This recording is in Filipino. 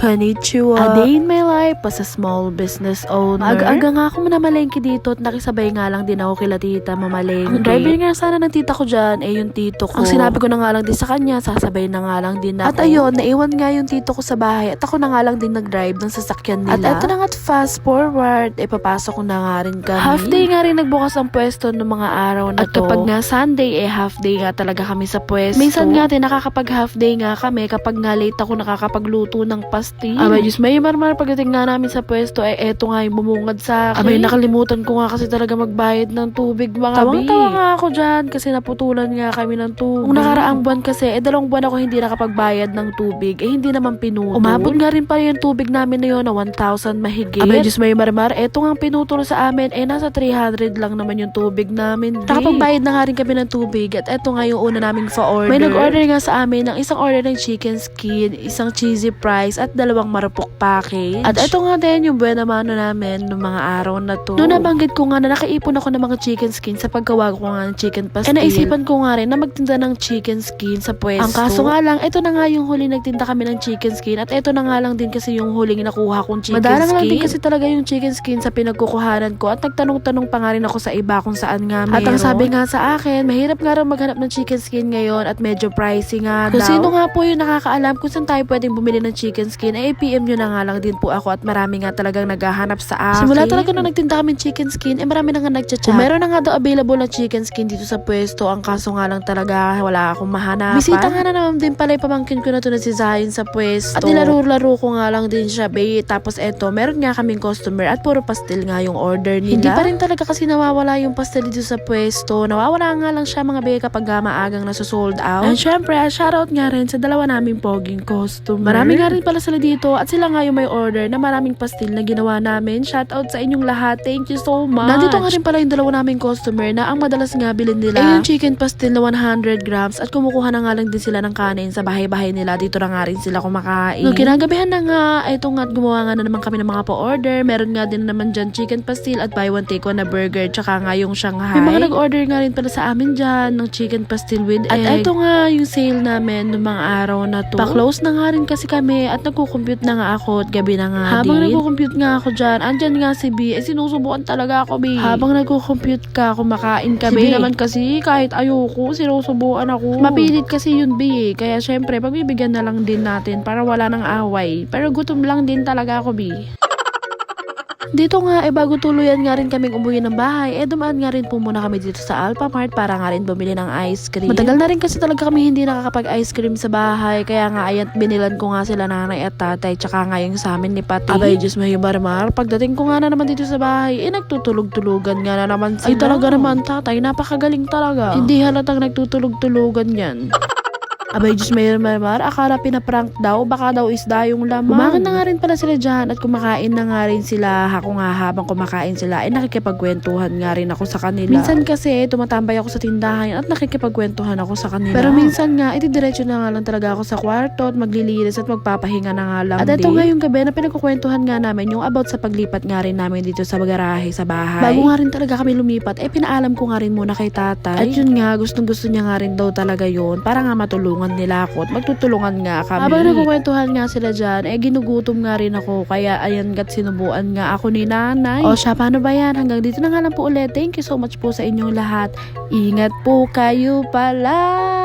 Konnichiwa. A day in my life as a small business owner. Aga-aga nga ako namalengke dito at nakisabay nga lang din ako kila tita mamalengke. Ang driver nga sana ng tita ko dyan yung tito ko. Ang sinabi ko na nga lang din sa kanya, sasabay na nga lang din ako. At ayun, naiwan nga yung tito ko sa bahay at ako na nga lang din nag-drive ng sasakyan nila. At eto na nga fast forward, papasok ko na nga rin kami. Half day nga rin nagbukas ang pwesto ng mga araw na to. At kapag nga Sunday, half day nga talaga kami sa pwesto. Minsan nga din nakakapag half day nga kami kapag nga late ako nakakapagluto ng pastil. Abay, Diyos, may marmar pagdating nga namin sa pwesto, eto nga yung bumungad sa akin. Abay, nakalimutan ko nga kasi talaga magbayad ng tubig, mga Tawang-tawa nga ako dyan kasi naputulan nga kami ng tubig. Kung nakaraang buwan kasi, 2 buwan ako hindi nakapagbayad ng tubig, hindi naman pinutol. Umabot nga rin pala yung tubig namin na yun na 1,000 mahigit. Abay, Diyos, may marmar, eto nga pinutol sa amin, nasa 300 lang naman yung tubig namin. Nakapagbayad na nga rin kami ng tubig at eto nga yung una naming fa-order. May nag-order nga sa amin ng isang order ng chicken skin, isang cheesy fries at 2 marupok package. At eto nga din yung buena mano namin noong mga araw na to. Noong nabanggit ko nga na nakaipon ako ng mga chicken skin sa paggawa ko nga ng chicken pastil. Naisipan ko nga rin na magtinda ng chicken skin sa pwesto. Ang kaso nga lang, eto na nga yung huli nagtinda kami ng chicken skin at eto na nga lang din kasi yung huling nakuha kong chicken skin. Madalang lang din kasi talaga yung chicken skin sa pinagkukuhanan ko at nagtanong-tanong pa nga rin ako sa iba kung saan nga meron. At ang sabi nga sa akin, mahirap nga rin maghanap ng chicken skin ngayon at medyo pricey nga daw. Kung sino nga po yung nakakaalam kung saan tayo pwedeng bumili ng chicken skin, PM nyo na nga lang din po ako at marami nga talagang naghahanap sa akin. Simula talaga nung nagtinda kami chicken skin, marami na nga nagchat-chat. Meron na nga daw available na chicken skin dito sa pwesto, ang kaso nga lang talaga wala akong mahanapan. Bisita nga na naman din pala yung pamangkin ko na to na si Zion sa pwesto. At nilaro-laro ko nga lang din siya, babe. Tapos eto, meron nga kaming customer at puro pastil nga yung order nila. Hindi pa rin talaga kasi nawawala yung pastil dito sa pwesto. Nawawala nga lang siya mga babe kapag maagang nasa-sold out. And syempre, shoutout nga rin sa dalawa naming poging customer. Marami nga rin pala sila dito at sila nga yung may order na maraming pastil na ginawa namin. Shoutout sa inyong lahat. Thank you so much. Nandito nga rin pala yung dalawa naming customer na ang madalas nga bilhin nila yung chicken pastil na 100 grams at kumukuha na nga lang din sila ng kanin sa bahay-bahay nila. Dito na nga rin sila kumakain. Nung kinagabihan na nga, ito nga at gumawa nga na naman kami ng mga pa-order. Meron nga din naman dyan chicken pastil at buy one take one na burger tsaka nga yung Shanghai. May mga nag-order nga rin pala sa amin dyan ng chicken pastil with egg. At ito nga yung sale namin ng mga araw na to. Pa-close na nga rin kasi kami at nagko-compute na nga ako at gabi na nga habang nagko-compute nga ako dyan, andyan nga si B, sinusubukan talaga ako, B. Habang nagko-compute ka, kumakain ka, B. Si B naman kasi, kahit ayoko, sinusubukan ako. Mapilit kasi yun, B. Kaya syempre, pagbibigyan na lang din natin para wala nang away. Pero gutom lang din talaga ako, B. Dito nga, bago tuluyan nga rin kaming umuwi ng bahay, dumaan nga rin po muna kami dito sa Alphamart para nga rin bumili ng ice cream. Matagal na rin kasi talaga kami hindi nakakapag-ice cream sa bahay, kaya nga ayan, binilan ko nga sila nanay at tatay, tsaka nga yung sa amin ni Pati. Abay, Diyos may marmar, pagdating ko nga na naman dito sa bahay, nagtutulog-tulugan nga na naman sila. Ay talaga naman tatay, napakagaling talaga. Hindi halatang nagtutulog-tulugan yan. Abay, Diyos may marmar, akala pinaprank daw, baka daw isda yung laman. Kumain na nga rin pala sila dyan at kumakain na nga rin sila. Ako nga habang kumakain sila, nakikipagkwentuhan nga rin ako sa kanila. Minsan kasi, tumatambay ako sa tindahan at nakikipagkwentuhan ako sa kanila. Pero minsan nga, diretso na nga lang talaga ako sa kwarto at maglilinis at magpapahinga na nga lang at ito nga yung gabi na pinagkukwentuhan nga namin yung about sa paglipat nga rin namin dito sa garahe sa bahay. Bago nga rin talaga kami lumipat, pinaalam ko nga rin muna kay tatay. At yun nga, gustong-gusto niya nga rin daw talaga yun para nga matulungan nila ako at magtutulungan nga kami. Habang nagkukwentuhan nga sila dyan, ginugutom nga rin ako. Kaya ayan gat sinubuan nga ako ni nanay. O siya, paano ba yan? Hanggang dito na nga lang po ulit. Thank you so much po sa inyong lahat. Ingat po kayo pala.